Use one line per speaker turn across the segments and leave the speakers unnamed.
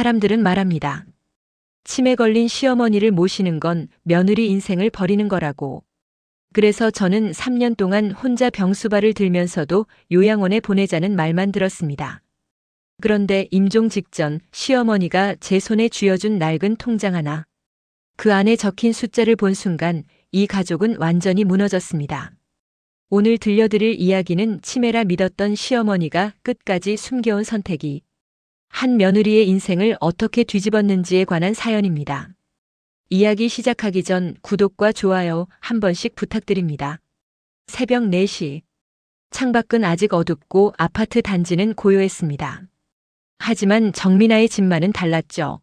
사람들은 말합니다. 치매 걸린 시어머니를 모시는 건 며느리 인생을 버리는 거라고. 그래서 저는 3년 동안 혼자 병수발을 들면서도 요양원에 보내자는 말만 들었습니다. 그런데 임종 직전 시어머니가 제 손에 쥐어준 낡은 통장 하나. 그 안에 적힌 숫자를 본 순간 이 가족은 완전히 무너졌습니다. 오늘 들려드릴 이야기는 치매라 믿었던 시어머니가 끝까지 숨겨온 선택이 한 며느리의 인생을 어떻게 뒤집었는지에 관한 사연입니다. 이야기 시작하기 전 구독과 좋아요 한 번씩 부탁드립니다. 새벽 4시. 창밖은 아직 어둡고 아파트 단지는 고요했습니다. 하지만 정민아의 집만은 달랐죠.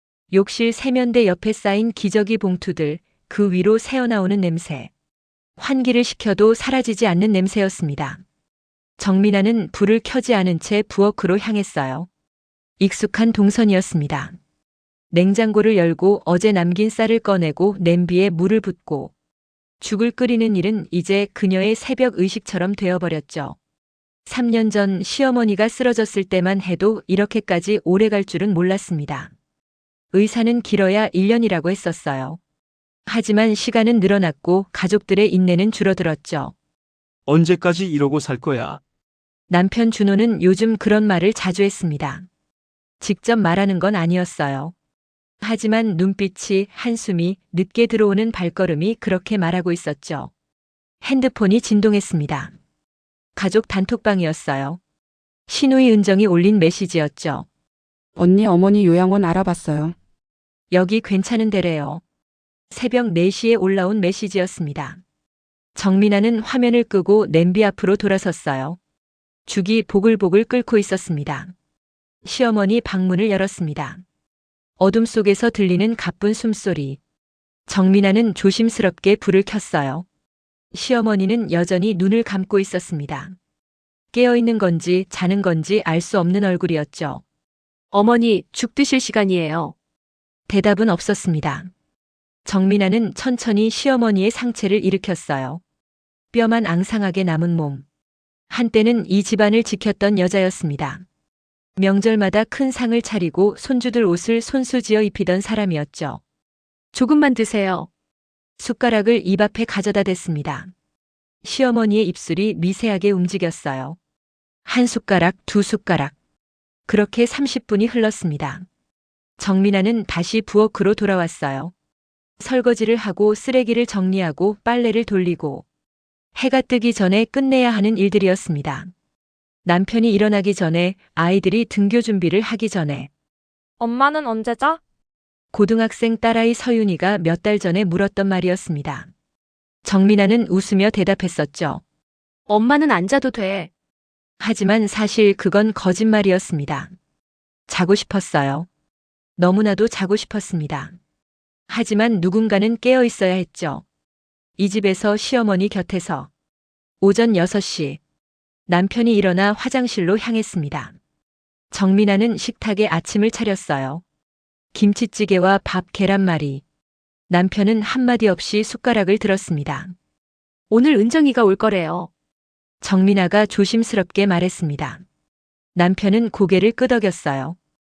욕실 세면대 옆에 쌓인 기저귀 봉투들, 그 위로 새어나오는 냄새. 환기를 시켜도 사라지지 않는 냄새였습니다. 정민아는 불을 켜지 않은 채 부엌으로 향했어요. 익숙한 동선이었습니다. 냉장고를 열고 어제 남긴 쌀을 꺼내고 냄비에 물을 붓고 죽을 끓이는 일은 이제 그녀의 새벽 의식처럼 되어버렸죠. 3년 전 시어머니가 쓰러졌을 때만 해도 이렇게까지 오래 갈 줄은 몰랐습니다. 의사는 길어야 1년이라고 했었어요. 하지만 시간은 늘어났고 가족들의 인내는 줄어들었죠.
언제까지 이러고 살 거야?
남편 준호는 요즘 그런 말을 자주 했습니다. 직접 말하는 건 아니었어요. 하지만 눈빛이, 한숨이, 늦게 들어오는 발걸음이 그렇게 말하고 있었죠. 핸드폰이 진동했습니다. 가족 단톡방이었어요. 신우이 은정이 올린 메시지였죠.
언니 어머니 요양원 알아봤어요.
여기 괜찮은 데래요. 새벽 4시에 올라온 메시지였습니다. 정민아는 화면을 끄고 냄비 앞으로 돌아섰어요. 죽이 보글보글 끓고 있었습니다. 시어머니 방문을 열었습니다. 어둠 속에서 들리는 가쁜 숨소리. 정민아는 조심스럽게 불을 켰어요. 시어머니는 여전히 눈을 감고 있었습니다. 깨어있는 건지 자는 건지 알 수 없는 얼굴이었죠.
어머니, 죽 드실 시간이에요.
대답은 없었습니다. 정민아는 천천히 시어머니의 상체를 일으켰어요. 뼈만 앙상하게 남은 몸. 한때는 이 집안을 지켰던 여자였습니다. 명절마다 큰 상을 차리고 손주들 옷을 손수지어 입히던 사람이었죠.
조금만 드세요.
숟가락을 입 앞에 가져다 댔습니다. 시어머니의 입술이 미세하게 움직였어요. 한 숟가락, 두 숟가락. 그렇게 30분이 흘렀습니다. 정민아는 다시 부엌으로 돌아왔어요. 설거지를 하고 쓰레기를 정리하고 빨래를 돌리고 해가 뜨기 전에 끝내야 하는 일들이었습니다. 남편이 일어나기 전에, 아이들이 등교 준비를 하기 전에.
엄마는 언제 자?
고등학생 딸아이 서윤이가 몇 달 전에 물었던 말이었습니다. 정민아는 웃으며 대답했었죠.
엄마는 안 자도 돼.
하지만 사실 그건 거짓말이었습니다. 자고 싶었어요. 너무나도 자고 싶었습니다. 하지만 누군가는 깨어 있어야 했죠. 이 집에서 시어머니 곁에서. 오전 6시. 남편이 일어나 화장실로 향했습니다. 정민아는 식탁에 아침을 차렸어요. 김치찌개와 밥, 계란말이. 남편은 한마디 없이 숟가락을 들었습니다.
오늘 은정이가 올 거래요.
정민아가 조심스럽게 말했습니다. 남편은 고개를 끄덕였어요.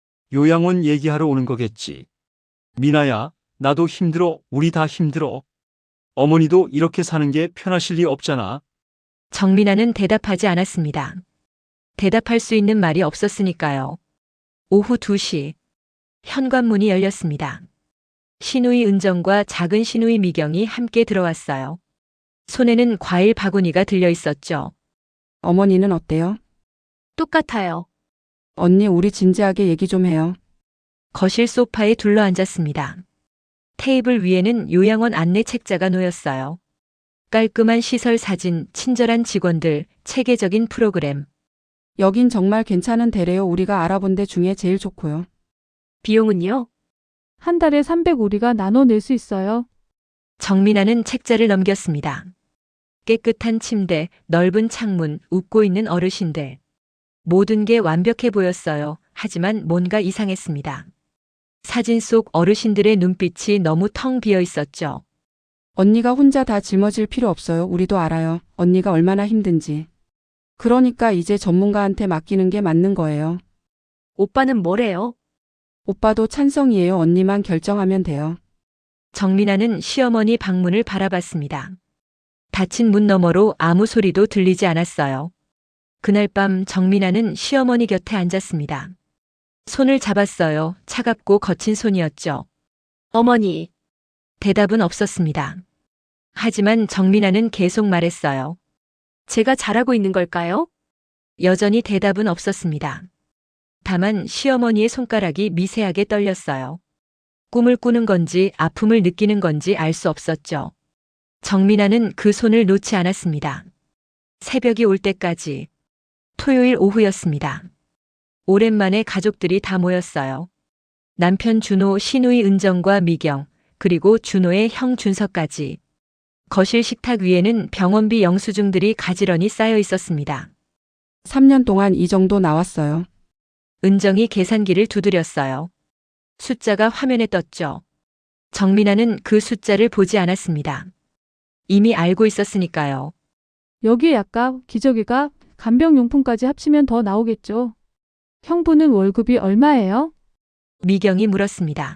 요양원 얘기하러 오는 거겠지. 미나야, 나도 힘들어. 우리 다 힘들어. 어머니도 이렇게 사는 게 편하실 리 없잖아.
정민아는 대답하지 않았습니다. 대답할 수 있는 말이 없었으니까요. 오후 2시. 현관문이 열렸습니다. 신우이 은정과 작은 신우이 미경이 함께 들어왔어요. 손에는 과일 바구니가 들려 있었죠.
어머니는 어때요?
똑같아요.
언니 우리 진지하게 얘기 좀 해요.
거실 소파에 둘러앉았습니다. 테이블 위에는 요양원 안내 책자가 놓였어요. 깔끔한 시설 사진, 친절한 직원들, 체계적인 프로그램.
여긴 정말 괜찮은 데래요. 우리가 알아본 데 중에 제일 좋고요.
비용은요?
한 달에 300 우리가 나눠낼 수 있어요.
정민아는 책자를 넘겼습니다. 깨끗한 침대, 넓은 창문, 웃고 있는 어르신들. 모든 게 완벽해 보였어요. 하지만 뭔가 이상했습니다. 사진 속 어르신들의 눈빛이 너무 텅 비어 있었죠.
언니가 혼자 다 짊어질 필요 없어요. 우리도 알아요. 언니가 얼마나 힘든지. 그러니까 이제 전문가한테 맡기는 게 맞는 거예요.
오빠는 뭐래요?
오빠도 찬성이에요. 언니만 결정하면 돼요.
정민아는 시어머니 방문을 바라봤습니다. 닫힌 문 너머로 아무 소리도 들리지 않았어요. 그날 밤 정민아는 시어머니 곁에 앉았습니다. 손을 잡았어요. 차갑고 거친 손이었죠.
어머니,
대답은 없었습니다. 하지만 정민아는 계속 말했어요.
제가 잘하고 있는 걸까요?
여전히 대답은 없었습니다. 다만 시어머니의 손가락이 미세하게 떨렸어요. 꿈을 꾸는 건지 아픔을 느끼는 건지 알 수 없었죠. 정민아는 그 손을 놓지 않았습니다. 새벽이 올 때까지. 토요일 오후였습니다. 오랜만에 가족들이 다 모였어요. 남편 준호, 시누이 은정과 미경, 그리고 준호의 형 준석까지. 거실 식탁 위에는 병원비 영수증들이 가지런히 쌓여 있었습니다.
3년 동안 이 정도 나왔어요.
은정이 계산기를 두드렸어요. 숫자가 화면에 떴죠. 정민아는 그 숫자를 보지 않았습니다. 이미 알고 있었으니까요.
여기에 약값, 기저귀값, 간병용품까지 합치면 더 나오겠죠. 형부는 월급이 얼마예요?
미경이 물었습니다.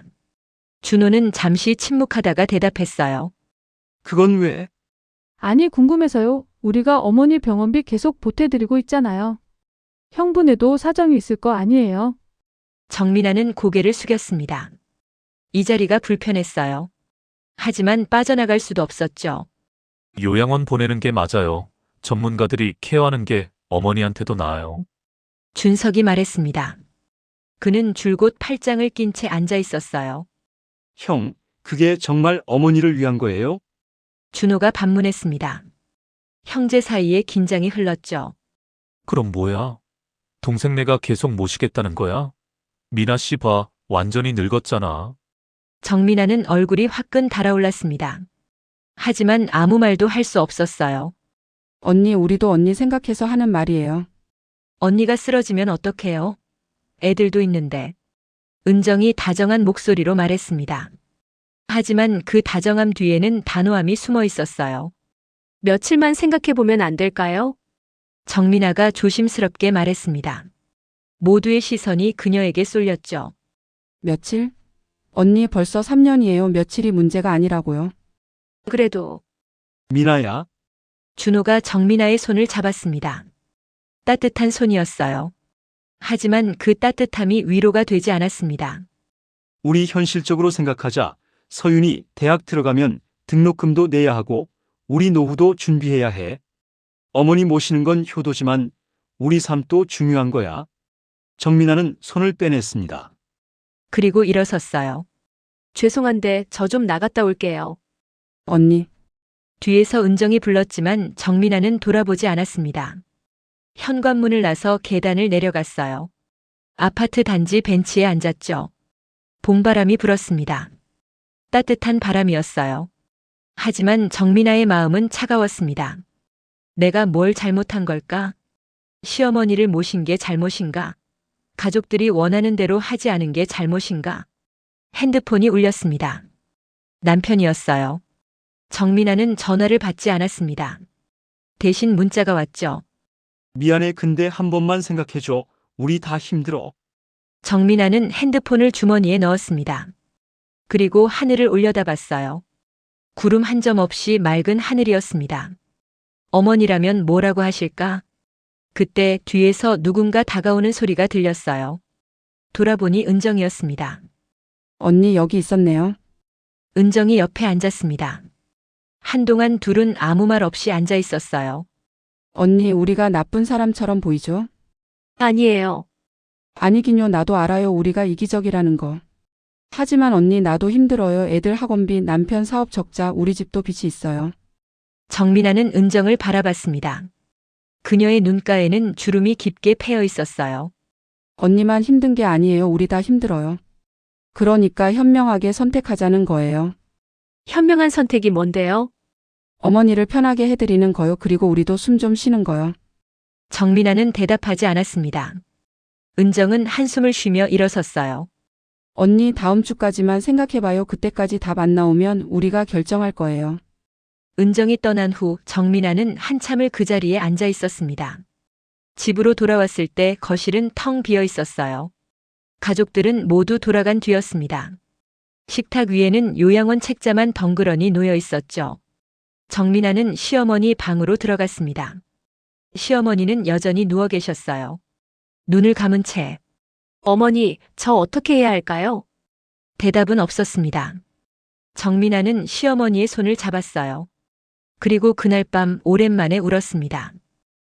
준호는 잠시 침묵하다가 대답했어요.
그건 왜?
아니 궁금해서요. 우리가 어머니 병원비 계속 보태드리고 있잖아요. 형부네도 사정이 있을 거 아니에요.
정민아는 고개를 숙였습니다. 이 자리가 불편했어요. 하지만 빠져나갈 수도 없었죠.
요양원 보내는 게 맞아요. 전문가들이 케어하는 게 어머니한테도 나아요.
준석이 말했습니다. 그는 줄곧 팔짱을 낀 채 앉아 있었어요.
형, 그게 정말 어머니를 위한 거예요?
준호가 반문했습니다. 형제 사이에 긴장이 흘렀죠.
그럼 뭐야? 동생네가 계속 모시겠다는 거야? 미나 씨 봐, 완전히 늙었잖아.
정민아는 얼굴이 화끈 달아올랐습니다. 하지만 아무 말도 할 수 없었어요.
언니, 우리도 언니 생각해서 하는 말이에요.
언니가 쓰러지면 어떡해요? 애들도 있는데. 은정이 다정한 목소리로 말했습니다. 하지만 그 다정함 뒤에는 단호함이 숨어 있었어요.
며칠만 생각해보면 안 될까요?
정민아가 조심스럽게 말했습니다. 모두의 시선이 그녀에게 쏠렸죠.
며칠? 언니 벌써 3년이에요. 며칠이 문제가 아니라고요.
그래도
미나야,
준호가 정민아의 손을 잡았습니다. 따뜻한 손이었어요. 하지만 그 따뜻함이 위로가 되지 않았습니다.
우리 현실적으로 생각하자. 서윤이 대학 들어가면 등록금도 내야 하고 우리 노후도 준비해야 해. 어머니 모시는 건 효도지만 우리 삶도 중요한 거야. 정민아는 손을 빼냈습니다.
그리고 일어섰어요.
죄송한데 저 좀 나갔다 올게요.
언니,
뒤에서 은정이 불렀지만 정민아는 돌아보지 않았습니다. 현관문을 나서 계단을 내려갔어요. 아파트 단지 벤치에 앉았죠. 봄바람이 불었습니다. 따뜻한 바람이었어요. 하지만 정민아의 마음은 차가웠습니다. 내가 뭘 잘못한 걸까? 시어머니를 모신 게 잘못인가? 가족들이 원하는 대로 하지 않은 게 잘못인가? 핸드폰이 울렸습니다. 남편이었어요. 정민아는 전화를 받지 않았습니다. 대신 문자가 왔죠.
미안해, 근데 한 번만 생각해줘. 우리 다 힘들어.
정민아는 핸드폰을 주머니에 넣었습니다. 그리고 하늘을 올려다봤어요. 구름 한 점 없이 맑은 하늘이었습니다. 어머니라면 뭐라고 하실까? 그때 뒤에서 누군가 다가오는 소리가 들렸어요. 돌아보니 은정이었습니다.
언니 여기 있었네요.
은정이 옆에 앉았습니다. 한동안 둘은 아무 말 없이 앉아 있었어요.
언니, 우리가 나쁜 사람처럼 보이죠?
아니에요.
아니긴요. 나도 알아요. 우리가 이기적이라는 거. 하지만 언니, 나도 힘들어요. 애들 학원비, 남편 사업 적자, 우리 집도 빚이 있어요.
정민아는 은정을 바라봤습니다. 그녀의 눈가에는 주름이 깊게 패여 있었어요.
언니만 힘든 게 아니에요. 우리 다 힘들어요. 그러니까 현명하게 선택하자는 거예요.
현명한 선택이 뭔데요?
어머니를 편하게 해드리는 거요. 그리고 우리도 숨 좀 쉬는 거요.
정민아는 대답하지 않았습니다. 은정은 한숨을 쉬며 일어섰어요.
언니, 다음 주까지만 생각해봐요. 그때까지 답 안 나오면 우리가 결정할 거예요.
은정이 떠난 후 정민아는 한참을 그 자리에 앉아 있었습니다. 집으로 돌아왔을 때 거실은 텅 비어 있었어요. 가족들은 모두 돌아간 뒤였습니다. 식탁 위에는 요양원 책자만 덩그러니 놓여 있었죠. 정민아는 시어머니 방으로 들어갔습니다. 시어머니는 여전히 누워 계셨어요. 눈을 감은 채
어머니, 저 어떻게 해야 할까요?
대답은 없었습니다. 정민아는 시어머니의 손을 잡았어요. 그리고 그날 밤 오랜만에 울었습니다.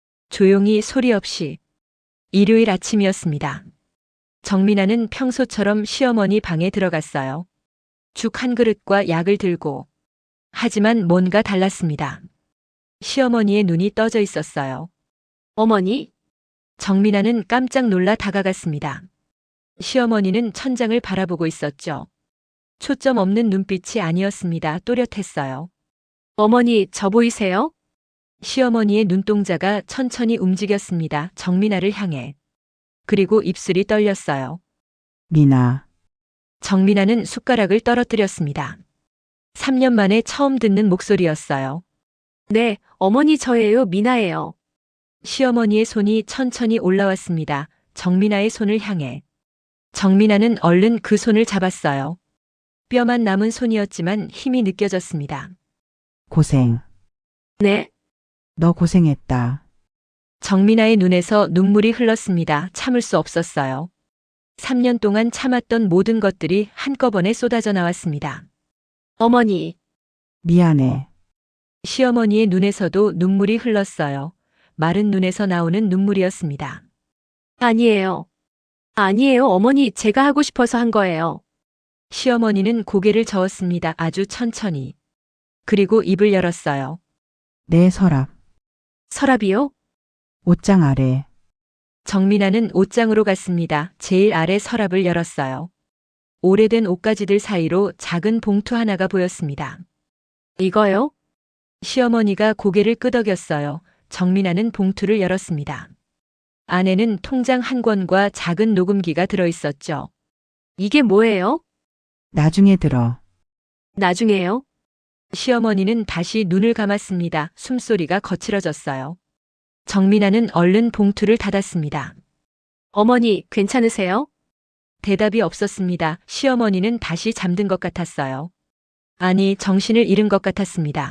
조용히 소리 없이. 일요일 아침이었습니다. 정민아는 평소처럼 시어머니 방에 들어갔어요. 죽 한 그릇과 약을 들고. 하지만 뭔가 달랐습니다. 시어머니의 눈이 떠져 있었어요.
어머니?
정민아는 깜짝 놀라 다가갔습니다. 시어머니는 천장을 바라보고 있었죠. 초점 없는 눈빛이 아니었습니다. 또렷했어요.
어머니, 저 보이세요?
시어머니의 눈동자가 천천히 움직였습니다. 정민아를 향해. 그리고 입술이 떨렸어요.
미나,
정민아는 숟가락을 떨어뜨렸습니다. 3년 만에 처음 듣는 목소리였어요.
네, 어머니 저예요, 미나예요.
시어머니의 손이 천천히 올라왔습니다. 정민아의 손을 향해. 정민아는 얼른 그 손을 잡았어요. 뼈만 남은 손이었지만 힘이 느껴졌습니다.
고생.
네,
너 고생했다.
정민아의 눈에서 눈물이 흘렀습니다. 참을 수 없었어요. 3년 동안 참았던 모든 것들이 한꺼번에 쏟아져 나왔습니다.
어머니,
미안해.
시어머니의 눈에서도 눈물이 흘렀어요. 마른 눈에서 나오는 눈물이었습니다.
아니에요. 아니에요, 어머니, 제가 하고 싶어서 한 거예요.
시어머니는 고개를 저었습니다. 아주 천천히. 그리고 입을 열었어요.
내 서랍,
서랍이요?
옷장 아래.
정민아는 옷장으로 갔습니다. 제일 아래 서랍을 열었어요. 오래된 옷가지들 사이로 작은 봉투 하나가 보였습니다.
이거요?
시어머니가 고개를 끄덕였어요. 정민아는 봉투를 열었습니다. 안에는 통장 한 권과 작은 녹음기가 들어있었죠.
이게 뭐예요?
나중에 들어.
나중에요?
시어머니는 다시 눈을 감았습니다. 숨소리가 거칠어졌어요. 정민아는 얼른 봉투를 닫았습니다.
어머니, 괜찮으세요?
대답이 없었습니다. 시어머니는 다시 잠든 것 같았어요. 아니, 정신을 잃은 것 같았습니다.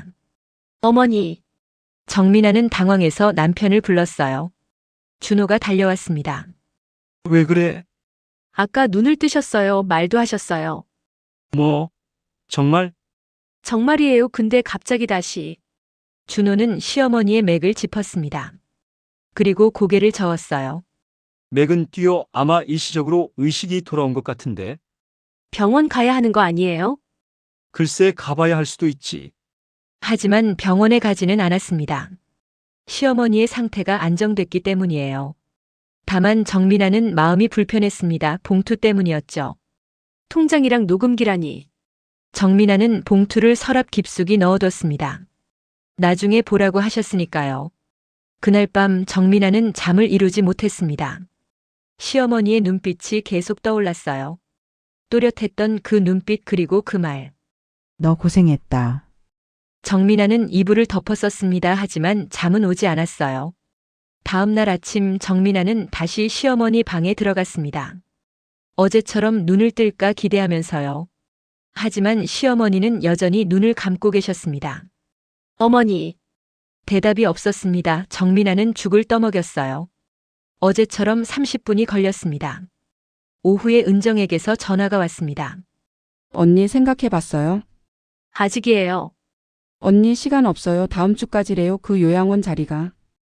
어머니,
정민아는 당황해서 남편을 불렀어요. 준호가 달려왔습니다.
왜 그래?
아까 눈을 뜨셨어요, 말도 하셨어요.
뭐? 정말?
정말이에요, 근데 갑자기 다시.
준호는 시어머니의 맥을 짚었습니다. 그리고 고개를 저었어요.
맥은 뛰어 아마 일시적으로 의식이 돌아온 것 같은데.
병원 가야 하는 거 아니에요?
글쎄 가봐야 할 수도 있지.
하지만 병원에 가지는 않았습니다. 시어머니의 상태가 안정됐기 때문이에요. 다만 정민아는 마음이 불편했습니다. 봉투 때문이었죠.
통장이랑 녹음기라니.
정민아는 봉투를 서랍 깊숙이 넣어뒀습니다. 나중에 보라고 하셨으니까요. 그날 밤 정민아는 잠을 이루지 못했습니다. 시어머니의 눈빛이 계속 떠올랐어요. 또렷했던 그 눈빛 그리고 그 말.
너 고생했다.
정민아는 이불을 덮었었습니다. 하지만 잠은 오지 않았어요. 다음 날 아침 정민아는 다시 시어머니 방에 들어갔습니다. 어제처럼 눈을 뜰까 기대하면서요. 하지만 시어머니는 여전히 눈을 감고 계셨습니다.
어머니,
대답이 없었습니다. 정민아는 죽을 떠먹였어요. 어제처럼 30분이 걸렸습니다. 오후에 은정에게서 전화가 왔습니다.
언니 생각해 봤어요?
아직이에요.
언니 시간 없어요. 다음 주까지래요. 그 요양원 자리가.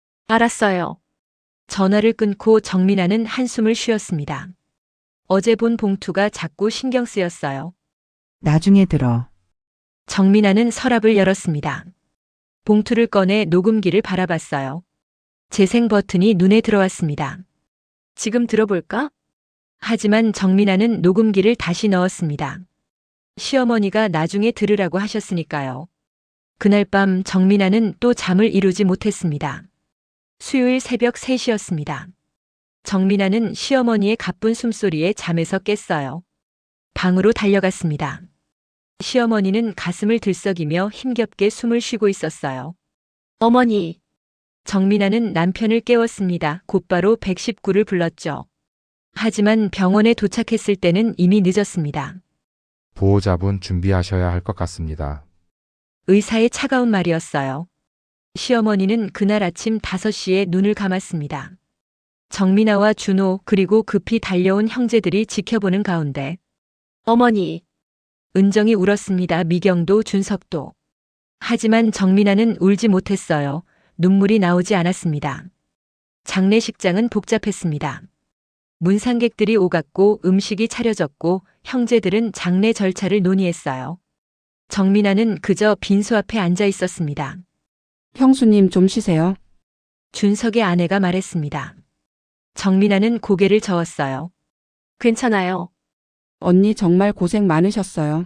알았어요.
전화를 끊고 정민아는 한숨을 쉬었습니다. 어제 본 봉투가 자꾸 신경 쓰였어요.
나중에 들어.
정민아는 서랍을 열었습니다. 봉투를 꺼내 녹음기를 바라봤어요. 재생 버튼이 눈에 들어왔습니다.
지금 들어볼까?
하지만 정민아는 녹음기를 다시 넣었습니다. 시어머니가 나중에 들으라고 하셨으니까요. 그날 밤 정민아는 또 잠을 이루지 못했습니다. 수요일 새벽 3시였습니다. 정민아는 시어머니의 가쁜 숨소리에 잠에서 깼어요. 방으로 달려갔습니다. 시어머니는 가슴을 들썩이며 힘겹게 숨을 쉬고 있었어요.
어머니,
정민아는 남편을 깨웠습니다. 곧바로 119를 불렀죠. 하지만 병원에 도착했을 때는 이미 늦었습니다.
보호자분 준비하셔야 할 것 같습니다.
의사의 차가운 말이었어요. 시어머니는 그날 아침 5시에 눈을 감았습니다. 정민아와 준호 그리고 급히 달려온 형제들이 지켜보는 가운데
어머니,
은정이 울었습니다. 미경도 준석도. 하지만 정민아는 울지 못했어요. 눈물이 나오지 않았습니다. 장례식장은 복잡했습니다. 문상객들이 오갔고 음식이 차려졌고 형제들은 장례 절차를 논의했어요. 정민아는 그저 빈소 앞에 앉아 있었습니다.
형수님 좀 쉬세요.
준석의 아내가 말했습니다. 정민아는 고개를 저었어요.
괜찮아요.
언니 정말 고생 많으셨어요.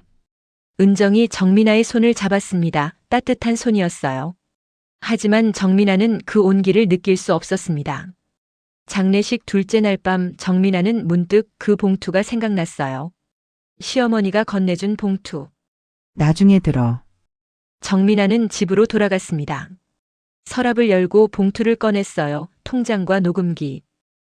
은정이 정민아의 손을 잡았습니다. 따뜻한 손이었어요. 하지만 정민아는 그 온기를 느낄 수 없었습니다. 장례식 둘째 날 밤 정민아는 문득 그 봉투가 생각났어요. 시어머니가 건네준 봉투.
나중에 들어.
정민아는 집으로 돌아갔습니다. 서랍을 열고 봉투를 꺼냈어요. 통장과 녹음기.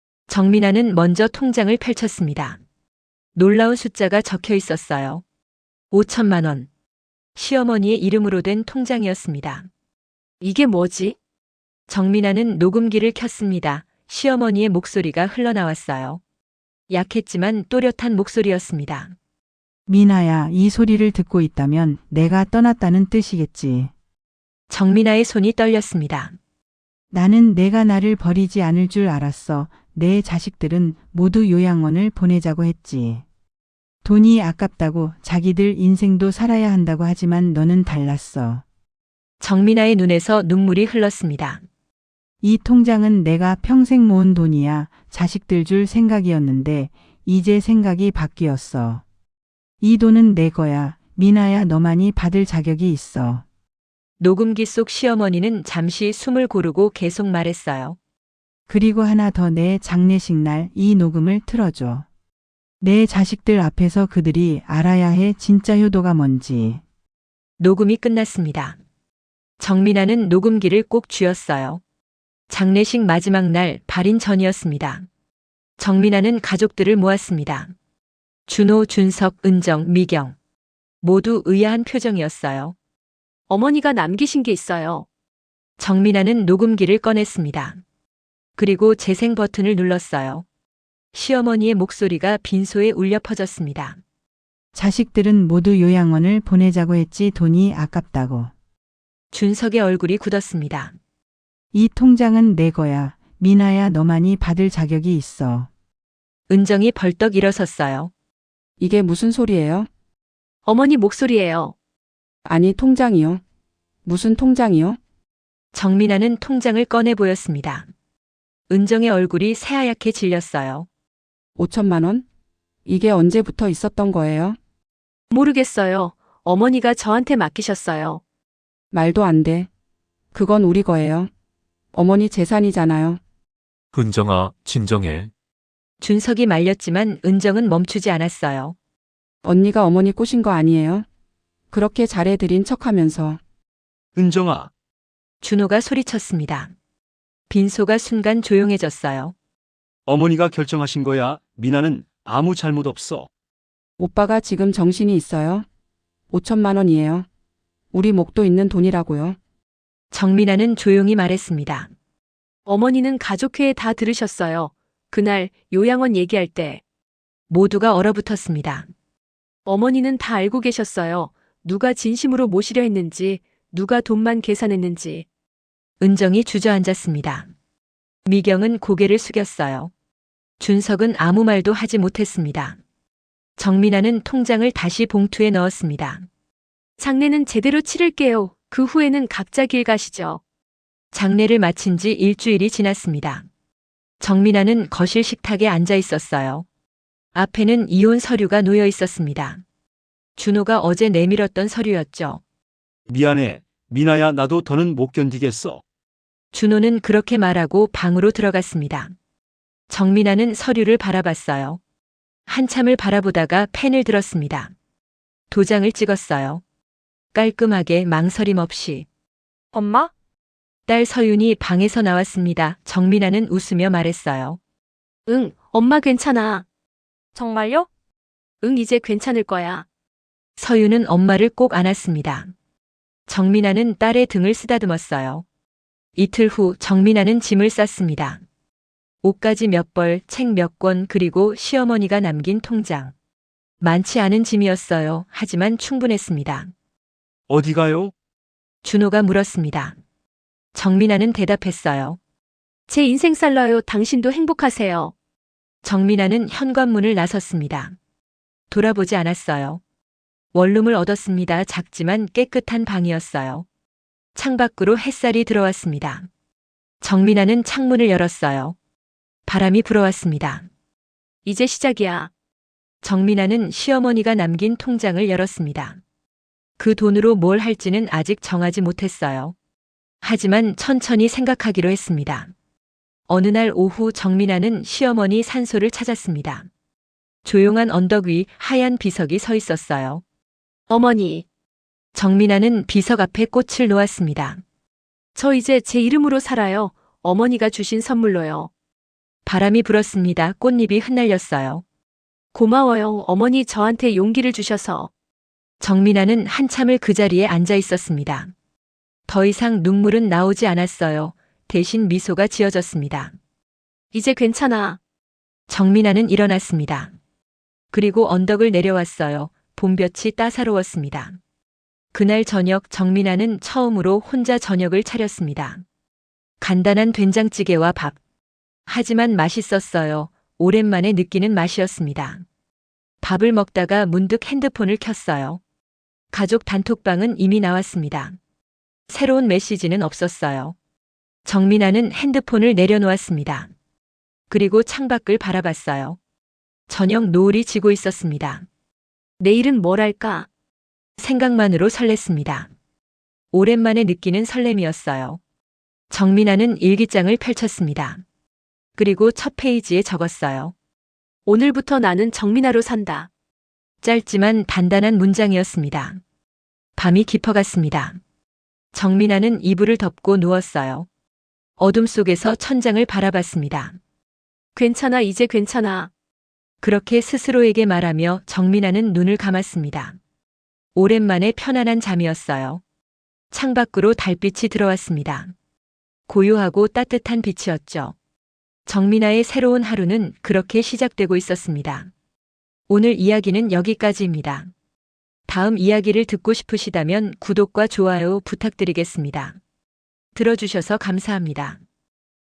정민아는 먼저 통장을 펼쳤습니다. 놀라운 숫자가 적혀 있었어요. 5천만 원. 시어머니의 이름으로 된 통장이었습니다.
이게 뭐지?
정민아는 녹음기를 켰습니다. 시어머니의 목소리가 흘러나왔어요. 약했지만 또렷한 목소리였습니다.
미나야, 이 소리를 듣고 있다면 내가 떠났다는 뜻이겠지.
정민아의 손이 떨렸습니다.
나는 내가 나를 버리지 않을 줄 알았어. 내 자식들은 모두 요양원을 보내자고 했지. 돈이 아깝다고 자기들 인생도 살아야 한다고 하지만 너는 달랐어.
정민아의 눈에서 눈물이 흘렀습니다.
이 통장은 내가 평생 모은 돈이야. 자식들 줄 생각이었는데 이제 생각이 바뀌었어. 이 돈은 내 거야. 미나야, 너만이 받을 자격이 있어.
녹음기 속 시어머니는 잠시 숨을 고르고 계속 말했어요.
그리고 하나 더, 내 장례식 날 이 녹음을 틀어줘. 내 자식들 앞에서 그들이 알아야 해, 진짜 효도가 뭔지.
녹음이 끝났습니다. 정민아는 녹음기를 꼭 쥐었어요. 장례식 마지막 날 발인 전이었습니다. 정민아는 가족들을 모았습니다. 준호, 준석, 은정, 미경. 모두 의아한 표정이었어요.
어머니가 남기신 게 있어요.
정민아는 녹음기를 꺼냈습니다. 그리고 재생 버튼을 눌렀어요. 시어머니의 목소리가 빈소에 울려 퍼졌습니다.
자식들은 모두 요양원을 보내자고 했지, 돈이 아깝다고.
준석의 얼굴이 굳었습니다.
이 통장은 내 거야. 미나야, 너만이 받을 자격이 있어.
은정이 벌떡 일어섰어요.
이게 무슨 소리예요?
어머니 목소리예요.
아니, 통장이요. 무슨 통장이요?
정민아는 통장을 꺼내 보였습니다. 은정의 얼굴이 새하얗게 질렸어요.
5천만 원? 이게 언제부터 있었던 거예요?
모르겠어요. 어머니가 저한테 맡기셨어요.
말도 안 돼. 그건 우리 거예요. 어머니 재산이잖아요.
은정아, 진정해.
준석이 말렸지만 은정은 멈추지 않았어요.
언니가 어머니 꼬신 거 아니에요? 그렇게 잘해드린 척하면서.
은정아,
준호가 소리쳤습니다. 빈소가 순간 조용해졌어요.
어머니가 결정하신 거야. 미나는 아무 잘못 없어.
오빠가 지금 정신이 있어요? 5천만 원이에요. 우리 목도 있는 돈이라고요.
정민아는 조용히 말했습니다.
어머니는 가족회에 다 들으셨어요. 그날 요양원 얘기할 때
모두가 얼어붙었습니다.
어머니는 다 알고 계셨어요. 누가 진심으로 모시려 했는지, 누가 돈만 계산했는지.
은정이 주저앉았습니다. 미경은 고개를 숙였어요. 준석은 아무 말도 하지 못했습니다. 정민아는 통장을 다시 봉투에 넣었습니다.
장례는 제대로 치를게요. 그 후에는 각자 길 가시죠.
장례를 마친 지 일주일이 지났습니다. 정민아는 거실 식탁에 앉아 있었어요. 앞에는 이혼 서류가 놓여 있었습니다. 준호가 어제 내밀었던 서류였죠.
미안해. 미나야, 나도 더는 못 견디겠어.
준호는 그렇게 말하고 방으로 들어갔습니다. 정민아는 서류를 바라봤어요. 한참을 바라보다가 펜을 들었습니다. 도장을 찍었어요. 깔끔하게 망설임 없이.
엄마?
딸 서윤이 방에서 나왔습니다. 정민아는 웃으며 말했어요.
응, 엄마 괜찮아.
정말요?
응, 이제 괜찮을 거야.
서유는 엄마를 꼭 안았습니다. 정민아는 딸의 등을 쓰다듬었어요. 이틀 후 정민아는 짐을 쌌습니다. 옷가지 몇 벌, 책 몇 권, 그리고 시어머니가 남긴 통장. 많지 않은 짐이었어요. 하지만 충분했습니다.
어디 가요?
준호가 물었습니다. 정민아는 대답했어요.
제 인생 살러요. 당신도 행복하세요.
정민아는 현관문을 나섰습니다. 돌아보지 않았어요. 원룸을 얻었습니다. 작지만 깨끗한 방이었어요. 창밖으로 햇살이 들어왔습니다. 정민아는 창문을 열었어요. 바람이 불어왔습니다.
이제 시작이야.
정민아는 시어머니가 남긴 통장을 열었습니다. 그 돈으로 뭘 할지는 아직 정하지 못했어요. 하지만 천천히 생각하기로 했습니다. 어느 날 오후 정민아는 시어머니 산소를 찾았습니다. 조용한 언덕 위 하얀 비석이 서 있었어요.
어머니,
정민아는 비석 앞에 꽃을 놓았습니다.
저 이제 제 이름으로 살아요. 어머니가 주신 선물로요.
바람이 불었습니다. 꽃잎이 흩날렸어요.
고마워요. 어머니 저한테 용기를 주셔서.
정민아는 한참을 그 자리에 앉아 있었습니다. 더 이상 눈물은 나오지 않았어요. 대신 미소가 지어졌습니다.
이제 괜찮아.
정민아는 일어났습니다. 그리고 언덕을 내려왔어요. 봄볕이 따사로웠습니다. 그날 저녁 정민아는 처음으로 혼자 저녁을 차렸습니다. 간단한 된장찌개와 밥. 하지만 맛있었어요. 오랜만에 느끼는 맛이었습니다. 밥을 먹다가 문득 핸드폰을 켰어요. 가족 단톡방은 이미 나왔습니다. 새로운 메시지는 없었어요. 정민아는 핸드폰을 내려놓았습니다. 그리고 창밖을 바라봤어요. 저녁 노을이 지고 있었습니다.
내일은 뭘 할까?
생각만으로 설렜습니다. 오랜만에 느끼는 설렘이었어요. 정민아는 일기장을 펼쳤습니다. 그리고 첫 페이지에 적었어요.
오늘부터 나는 정민아로 산다.
짧지만 단단한 문장이었습니다. 밤이 깊어갔습니다. 정민아는 이불을 덮고 누웠어요. 어둠 속에서 천장을 바라봤습니다.
괜찮아, 이제 괜찮아.
그렇게 스스로에게 말하며 정민아는 눈을 감았습니다. 오랜만에 편안한 잠이었어요. 창밖으로 달빛이 들어왔습니다. 고요하고 따뜻한 빛이었죠. 정민아의 새로운 하루는 그렇게 시작되고 있었습니다. 오늘 이야기는 여기까지입니다. 다음 이야기를 듣고 싶으시다면 구독과 좋아요 부탁드리겠습니다. 들어주셔서 감사합니다.